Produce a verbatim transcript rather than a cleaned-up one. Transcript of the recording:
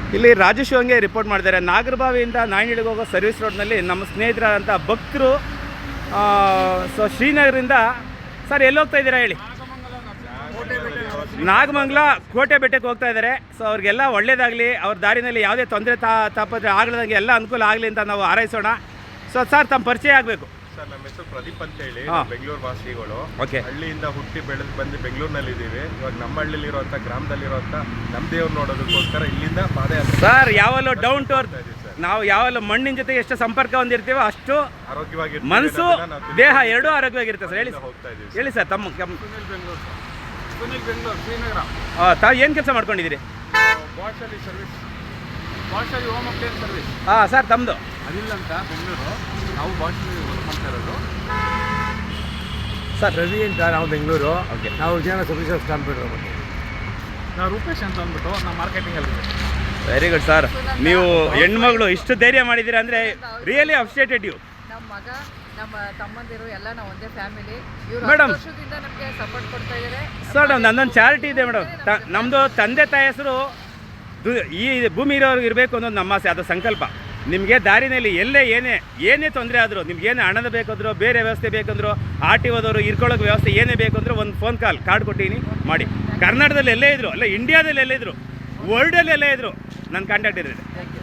ಇಲ್ಲಿ ರಾಜೇಶ್ ಹಂಗೆ ರಿಪೋರ್ಟ್ ಮಾಡಿದ್ದಾರೆ. ನಾಗರಬಾವಿಯಿಂದ ನಾಯಣಿಗೆ ಹೋಗೋ ಸರ್ವಿಸ್ ರೋಡ್ನಲ್ಲಿ ನಮ್ಮ ಸ್ನೇಹಿತರಾದಂಥ ಭಕ್ತರು ಸೊ ಶ್ರೀನಗರದಿಂದ ಸರ್ ಎಲ್ಲಿ ಹೋಗ್ತಾ ಇದ್ದೀರಾ ಹೇಳಿ? ನಾಗಮಂಗಲ ಕೋಟೆ ಬೆಟ್ಟಕ್ಕೆ ಹೋಗ್ತಾ ಇದ್ದಾರೆ. ಸೊ ಅವ್ರಿಗೆಲ್ಲ ಒಳ್ಳೇದಾಗಲಿ, ಅವ್ರ ದಾರಿನಲ್ಲಿ ಯಾವುದೇ ತೊಂದರೆ ತಾ ತಾಪತ್ರೆ ಆಗಲಾದಂಗೆ ಎಲ್ಲ ಅನುಕೂಲ ಆಗಲಿ ಅಂತ ನಾವು ಹಾರೈಸೋಣ. ಸೊ ಸರ್ ತಮ್ಮ ಪರಿಚಯ ಆಗಬೇಕು. ಸರ್ ನಮ್ಮ ಹೆಸರು ಪ್ರದೀಪ್ ಅಂತ ಹೇಳಿ, ಬೆಂಗಳೂರು ವಾಸಿಗಳು. ಓಕೆ. ಹಳ್ಳಿಯಿಂದ ಹುಟ್ಟಿ ಬೆಳೆದು ಬಂದು ಬೆಂಗಳೂರಿನಲ್ಲಿ ಇದ್ದೀವಿ. ಇವಾಗ ನಮ್ಮ ಹಳ್ಳಿಲಿರುವಂಥ ಗ್ರಾಮದಲ್ಲಿರುವಂಥ ನಮ್ಮ ದೇವ್ರು ನೋಡೋದಕ್ಕೋಸ್ಕರ ಇಲ್ಲಿಂದ ಪಾದಯಾತ್ರೆ. ಸರ್ ಯಾವಲ್ಲೂ ಡೌನ್ ಟು ಅರ್ತ್, ನಾವು ಯಾವಲ್ಲ ಮಣ್ಣಿನ ಜೊತೆ ಎಷ್ಟು ಸಂಪರ್ಕ ಹೊಂದಿರ್ತೀವೋ ಅಷ್ಟು ಆರೋಗ್ಯವಾಗಿ ಮನಸ್ಸು ದೇಹ ಎರಡೂ ಆರೋಗ್ಯವಾಗಿರುತ್ತೆ ಸರ್. ಹೇಳಿ ಹೋಗ್ತಾ ಇದ್ದೀವಿ. ಹೇಳಿ ಸರ್ ತಮ್ಮ ಸುನಿಲ್ ಬೆಂಗಳೂರು ಸುನಿಲ್ ಬೆಂಗಳೂರು ಶ್ರೀನಗರ. ತಾವು ಏನು ಕೆಲಸ ಮಾಡ್ಕೊಂಡಿದ್ದೀರಿ? ಬಾಷಲ್ಲಿ ಸರ್ವಿಸ್, ಬಾಷಲ್ಲಿ ಹೋಮ್ ಅಪ್ಲೈನ್ಸ್ ಸರ್ವಿಸ್. ಹಾಂ ಸರ್ ತಮ್ಮದು ಅನಿಲ್ ಅಂತ ಬೆಂಗಳೂರು, ನಾವು ಬಾಷಲ್ಲಿ ವರ್ಕ್ ಮಾಡ್ತಾ ಇರೋದು. ಸರ್ ರವಿ ಅಂತ ನಾವು ಬೆಂಗಳೂರು. ಓಕೆ. ನಾವು ವಿಜಯನಗರ ಸರ್ವಿಸಸ್ ಕಂಪ್ಯೂಟರ್ ಬಗ್ಗೆ. ನಾವು ರೂಪೇಶ್ ಅಂತ ಅಂದ್ಬಿಟ್ಟು ನಾವು ಮಾರ್ಕೆಟಿಂಗಲ್ಲಿ. Very good sir. ನೀವು ಹೆಣ್ಮಗಳು ಇಷ್ಟು ಧೈರ್ಯ ಮಾಡಿದ್ದೀರಾ ಅಂದರೆ ರಿಯಲಿ ಅಪ್ಸ್ಟೇಟೆಡ್ ಯು. ನಮ್ಮ ಮಗ, ನಮ್ಮ ತಮ್ಮಂದಿರು ಎಲ್ಲ ನಾವು ಒಂದೇ ಫ್ಯಾಮಿಲಿ. ಇವರು ಮೇಡಮ್ ವರ್ಷದಿಂದ ನಮಗೆ ಸಪೋರ್ಟ್ ಕೊಡ್ತಾ ಇದ್ದಾರೆ ಸರ್. ನನ್ನೊಂದು ಚಾರಿಟಿ ಇದೆ ಮೇಡಮ್. ತ ನಮ್ಮದು ತಂದೆ ತಾಯಿ ಹೆಸರು ಈ ಭೂಮಿ ಇರೋರ್ಗೆ ಇರಬೇಕು ಅನ್ನೋದು ನಮ್ಮ ಆಸೆ, ಅದು ಸಂಕಲ್ಪ. ನಿಮಗೆ ದಾರಿನಲ್ಲಿ ಎಲ್ಲೇ ಏನೇ ಏನೇ ತೊಂದರೆ ಆದರೂ, ನಿಮ್ಗೇನೇ ಹಣದ ಬೇಕಂದ್ರೂ, ಬೇರೆ ವ್ಯವಸ್ಥೆ ಬೇಕಂದ್ರು, ಆರ್ ಟಿ ಓದವರು ಇರ್ಕೊಳ್ಳೋಕೆ ವ್ಯವಸ್ಥೆ ಏನೇ ಬೇಕಂದ್ರೂ ಒಂದು ಫೋನ್ ಕಾಲ್ ಕಾರ್ಡ್ ಕೊಟ್ಟಿನಿ ಮಾಡಿ. ಕರ್ನಾಟಕದಲ್ಲಿ ಎಲ್ಲೇ ಇದ್ರು, ಅಲ್ಲ ಇಂಡಿಯಾದಲ್ಲಿ ಎಲ್ಲೇ ಇದ್ರು, ವರ್ಲ್ಡಲ್ಲಿ ಎಲ್ಲೇ ಇದ್ರು ನನ್ನ ಕಾಂಟ್ಯಾಕ್ಟ್ ಇದೆ.